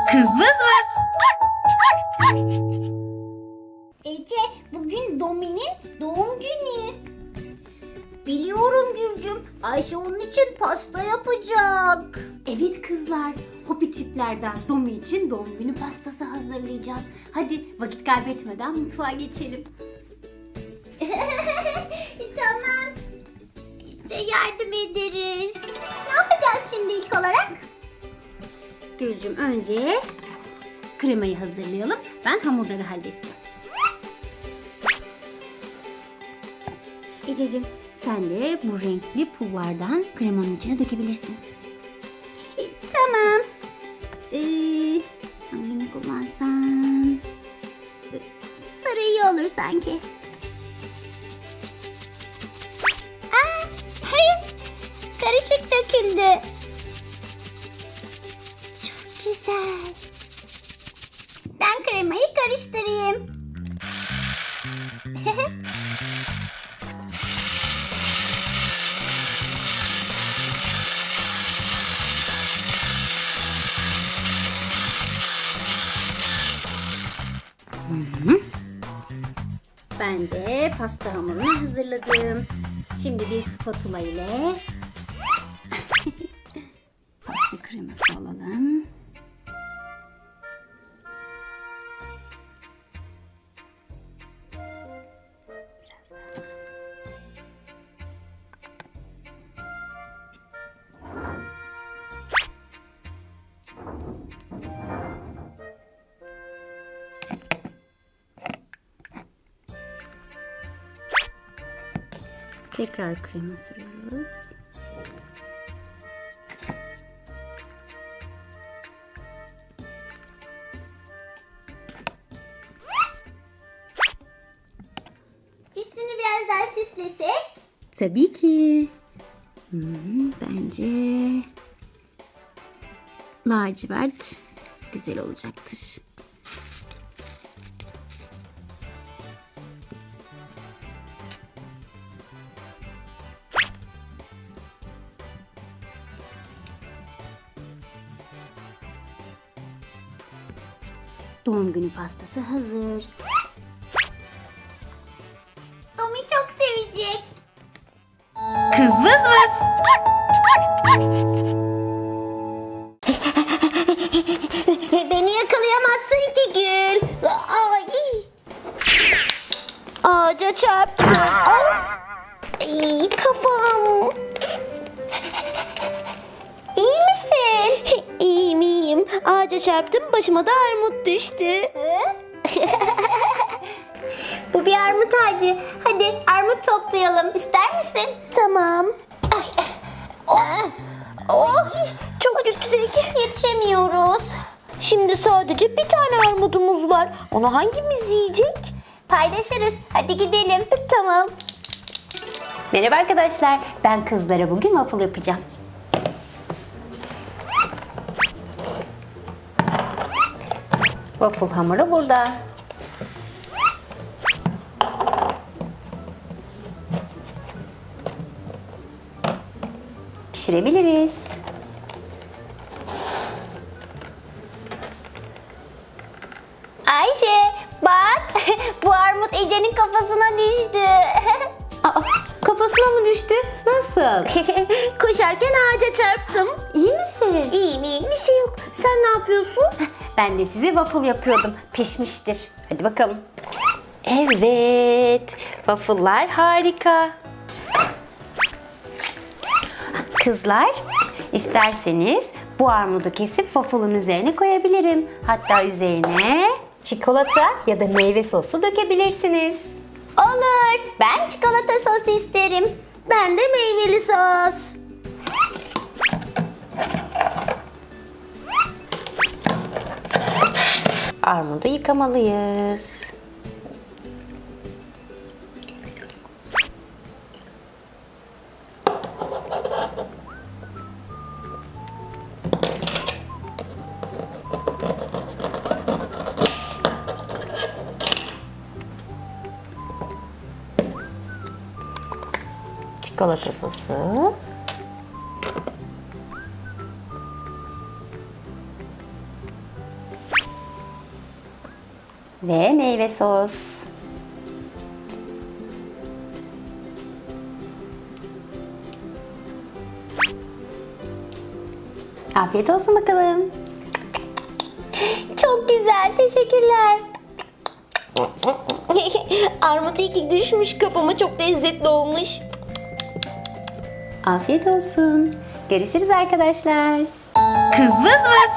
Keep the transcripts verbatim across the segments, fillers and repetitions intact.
Kız vız vız. Ece, bugün Domi'nin doğum günü. Biliyorum Gülcüm. Ayşe onun için pasta yapacak. Evet kızlar, hopi tiplerden Domi için doğum günü pastası hazırlayacağız. Hadi vakit kaybetmeden mutfağa geçelim. Tamam. Biz de yardım ederiz. Ne yapacağız şimdi ilk olarak? Gülcüm, önce kremayı hazırlayalım. Ben hamurları halledeceğim. Ececiğim, sen de bu renkli pullardan kremanın içine dökebilirsin. E, tamam. Ee, hangini kullansam? Sarı iyi olur sanki. Aa, hayır. Karışık döküldü. Çok güzel. Ben kremayı karıştırayım. Ben de pasta hamurunu hazırladım. Şimdi bir spatula ile pasta kreması alalım. Biraz daha. Tekrar krema sürüyoruz. Üstünü biraz daha süslesek. Tabii ki. Hmm, bence lacivert güzel olacaktır. Doğum günü pastası hazır. Domi çok sevecek. Kız vız vız. Beni yakalayamazsın ki Gül. Ay. Ağaca çarptım. Of. Ay, kafam. İyi misin? İyiyim iyiyim. Ağaca çarptım, başıma da armut düştü. Bu bir armut ağacı. Hadi armut toplayalım. İster misin? Tamam. Ay. Oh. Oh. Çok yüksek. Yetişemiyoruz. Şimdi sadece bir tane armudumuz var. Onu hangimiz yiyecek? Paylaşırız. Hadi gidelim. Tamam. Merhaba arkadaşlar. Ben kızlara bugün waffle yapacağım. Waffle hamuru burada. Pişirebiliriz. Ayşe bak. Bu armut Ece'nin kafasına düştü. Aa, kafasına mı düştü? Nasıl? Koşarken ağaca çarptım. İyi misin? İyiyim iyiyim, bir şey yok. Sen ne yapıyorsun? Ben de size waffle yapıyordum. Pişmiştir. Hadi bakalım. Evet. Waffle'lar harika. Kızlar, isterseniz bu armudu kesip waffle'ın üzerine koyabilirim. Hatta üzerine çikolata ya da meyve sosu dökebilirsiniz. Olur. Ben çikolata sosu isterim. Ben de meyveli sos. Armudu yıkamalıyız. Çikolata sosu. ve meyve sos. Afiyet olsun bakalım. Çok güzel, teşekkürler. Armut iyi ki düşmüş kafama, çok lezzetli olmuş. Afiyet olsun. Görüşürüz arkadaşlar. Kız vız vız.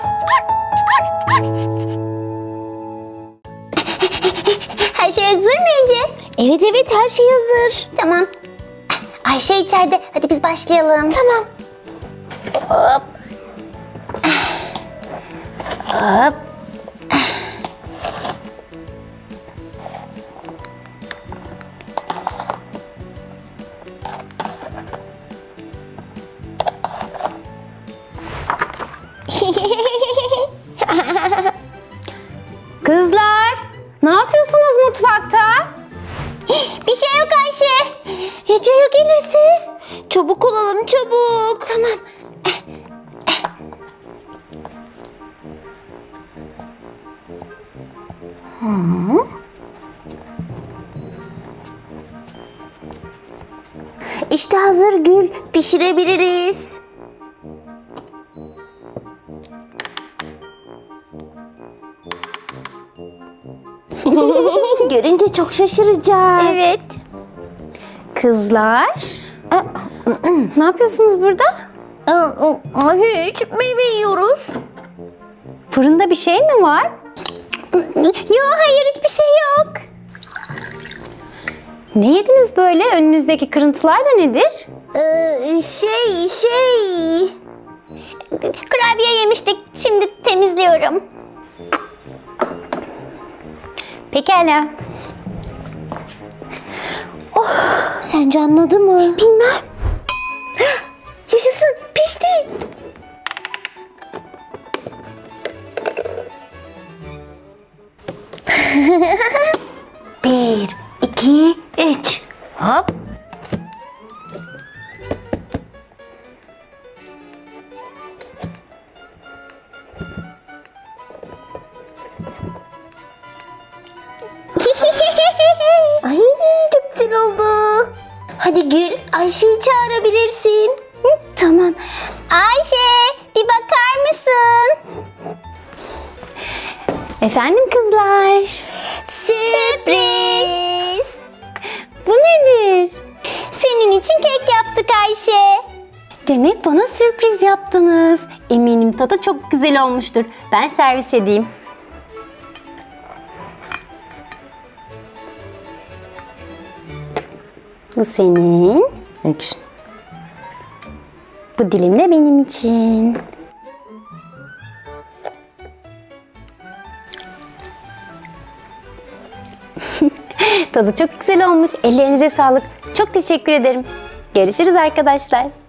Her şey hazır mı Ece? Evet evet, her şey hazır. Tamam. Ayşe içeride. Hadi biz başlayalım. Tamam. Hop. Hop. Kızlar, ne yapıyorsunuz mutfakta? Bir şey yok Ayşe. Ece ya gelirse? Çabuk olalım, çabuk. Tamam. Hı. İşte hazır Gül. Pişirebiliriz. Görünce çok şaşıracak. Evet. Kızlar, ne yapıyorsunuz burada? Hiç, meyve yiyoruz. Fırında bir şey mi var? Yok, hayır, hiçbir şey yok. Ne yediniz böyle? Önünüzdeki kırıntılar da nedir? Ee, şey, şey... Kurabiye yemiştik, şimdi temizliyorum. Pekala. Sence anladı mı? Bilmem. Yaşasın, pişti. Bir, iki, üç. Hop. Ay, çok güzel oldu. Hadi Gül, Ayşe'yi çağırabilirsin. Hı, tamam. Ayşe, bir bakar mısın? Efendim kızlar? Sürpriz. Bu nedir? Senin için kek yaptık Ayşe. Demek bana sürpriz yaptınız. Eminim tadı çok güzel olmuştur. Ben servis edeyim. Bu senin. Bu dilim de benim için. Tadı çok güzel olmuş. Ellerinize sağlık. Çok teşekkür ederim. Görüşürüz arkadaşlar.